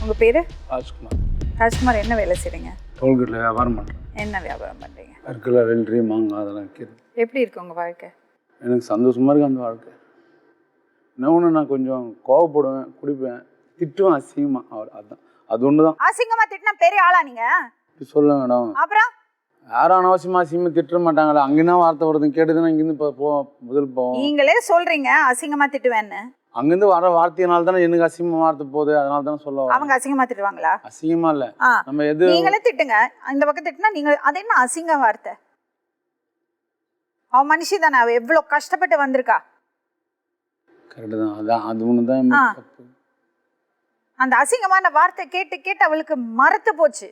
உங்கள் பேர்? ராஜ்குமார். ராஜ்குமார், என்ன வேலை செய்கிறீங்க? டோல்கேட்டில் வியாபாரம் பண்ணுறேன். என்ன வியாபாரம் பண்ணுறீங்க? அற்கலை, வெள்ளரி, மாங்காய் அதெல்லாம் விற்கிறது. எப்படி இருக்கு உங்கள் வாழ்க்கை? எனக்கு சந்தோஷமாக இருக்குது அந்த வாழ்க்கை. என்ன ஒன்று, நான் கொஞ்சம் கோவப்படுவேன், குடிப்பேன், திட்டுவேன் அசிங்கமாக. அதுதான், அது ஒன்று தான். அசிங்கமாக திட்டினா பெரிய ஆளா நீங்கள்? இப்படி சொல்ல மேடம். அப்புறம் யாரும் அனாவசியமாக அசிங்கமாக திட்ட மாட்டாங்களே. அங்கேனா வார்த்தை வருதுன்னு கேட்டுதுன்னா இங்கேருந்து முதல் போவோம். நீங்களே சொல்கிறீங்க அசிங்கமாக திட்டுவேன்னு. அங்கேருந்து வர வார்த்தையினால தானே எனக்கு அசிங்கமாக வார்த்தை போகுது. அதனால தானே சொல்ல. அவங்க அசிங்கமாக திட்டுவாங்களா? அசிங்கமா இல்லை, நம்ம எது நீங்களே திட்டுங்க. இந்த பக்கம் திட்டுனா நீங்கள் அது என்ன அசிங்க வார்த்தை? அவன் மனுஷி தானே, அவள் எவ்வளோ கஷ்டப்பட்டு வந்திருக்கா. கரெக்டு தான். அதான் அது ஒன்று தான் தப்பு. அந்த அசிங்கமான வார்த்தை கேட்டு கேட்டு அவளுக்கு மறத்து போச்சு.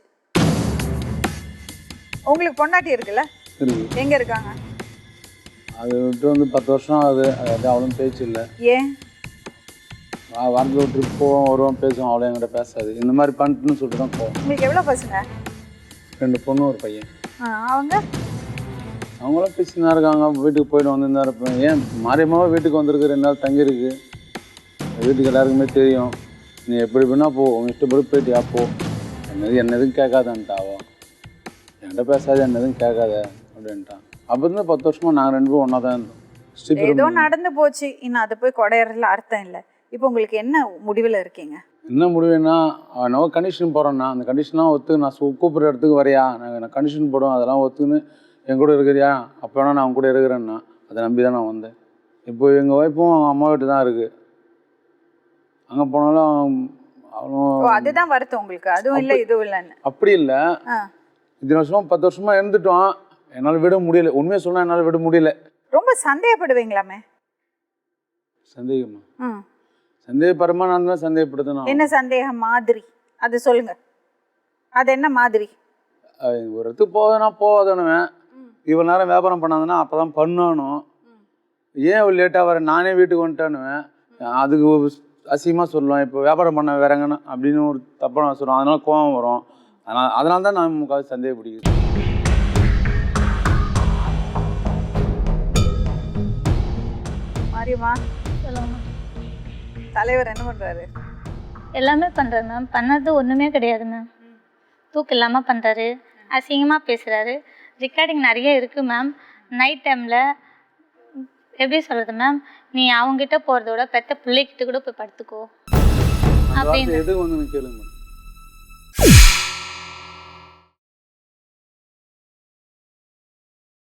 உங்களுக்கு பொண்டாட்டி இருக்குல்ல? இருக்கு. எங்க இருக்காங்க? அது விட்டு வந்து 10 வருஷம் ஆகுது. அது அவ்வளோ பேச்சு இல்லை. ஏன்? வாரத்தில் ஒரு ட்ரிப் போவோம், வருவோம், பேசுவோம். அவ்வளோ என்கிட்ட பேசாது. இந்த மாதிரி பண்ணிட்டுன்னு சொல்லிட்டு தான் போவோம். உங்களுக்கு எவ்வளோ பசங்க? 2 பொண்ணு, ஒரு பையன். அவங்க அவங்களாம் பேசினா இருக்காங்க. வீட்டுக்கு போய்ட்டு வந்துருந்தா இருப்பேன். ஏன் மாரியம்மாவை வீட்டுக்கு வந்திருக்கு, 2 நாள் தங்கியிருக்கு. வீட்டுக்கு எல்லாருக்குமே தெரியும். நீ எப்படி வேணா போ, உங்க இஷ்டப்படி போயிட்டு போ, என்ன எதுவும் கேட்காதான்ட்டாவோ. என்கிட்ட பேசாது, என்ன எதுவும் கேட்காத அப்படின்ட்டான். அப்போ இருந்து 10 வருஷமாக நாங்கள் 2 பேரும் ஒன்றா தான் இருந்தோம். ஏதோ நடந்து போச்சு, இன்னும் அதை போய் கொடையறதுல அர்த்தம் இல்லை. இப்போ உங்களுக்கு என்ன முடிவில் இருக்கீங்க? என்ன முடிவுன்னா, நம்ம கண்டிஷன் போகிறோன்னா அந்த கண்டிஷன்லாம் ஒத்து நான் கூப்பிட்ற இடத்துக்கு வரையா, நான் கண்டிஷன் போடுவேன், அதெல்லாம் ஒத்துன்னு என் கூட இருக்கிறியா, அப்போ வேணா நான் அவங்க கூட இருக்கிறேன்னா அதை நம்பி தான் நான் வந்தேன். இப்போ எங்கள் ஒய்ஃபும் அவங்க அம்மா வீட்டு தான் இருக்குது. அங்கே போனாலும் அவ்வளோ அதுதான் வருத்தம் உங்களுக்கு? அதுவும் இல்லை இதுவும் இல்லைன்னு? அப்படி இல்லை. இத்தனை வருஷமாக 10 வருஷமாக இருந்துட்டோம். என்னால் விட முடியல. உண்மையாக சொன்னால் என்னால் விட முடியல. ரொம்ப சந்தேகப்படுவீங்களாமே? சந்தேகமா? சந்தேகப்பரமா நான் தான் சந்தேகப்படுத்தணும். என்ன சந்தேகம் மாதிரி? அது சொல்லுங்க. அது என்ன மாதிரி? ஒரு இடத்துக்கு போவேன்னா போவாதனுவேன். இவ்வளோ நேரம் வியாபாரம் பண்ணாதுன்னா அப்போ தான் பண்ணணும். ஏன் இவ்வளோ லேட்டாக வர, நானே வீட்டுக்கு வந்துட்டேன்னுவேன். அதுக்கு அசிங்கமாக சொல்லுவேன். இப்போ வியாபாரம் பண்ண வேறங்கன்னு அப்படின்னு ஒரு தப்பாக நான் சொல்லுவேன். அதனால கோவம் வரும். அதனால தான் நான் முக்காவது சந்தேகப்படுகிறது. மாரியம்மா சொல்லுங்க. தலைவர் என்ன பண்ணுறாரு? எல்லாமே பண்ணுறாரு மேம். பண்ணது ஒன்றுமே கிடையாது மேம். தூக்கு இல்லாமல் பண்ணுறாரு, அசிங்கமாக பேசுகிறாரு. ரெக்கார்டிங் நிறைய இருக்குது மேம். நைட் டைமில் எப்படி சொல்கிறது மேம், நீ அவங்ககிட்ட போகிறத விட பெற்ற பிள்ளைகிட்ட கூட போய் படுத்துக்கோ அப்படின்னு. எது வந்து கேளுங்க மேம்.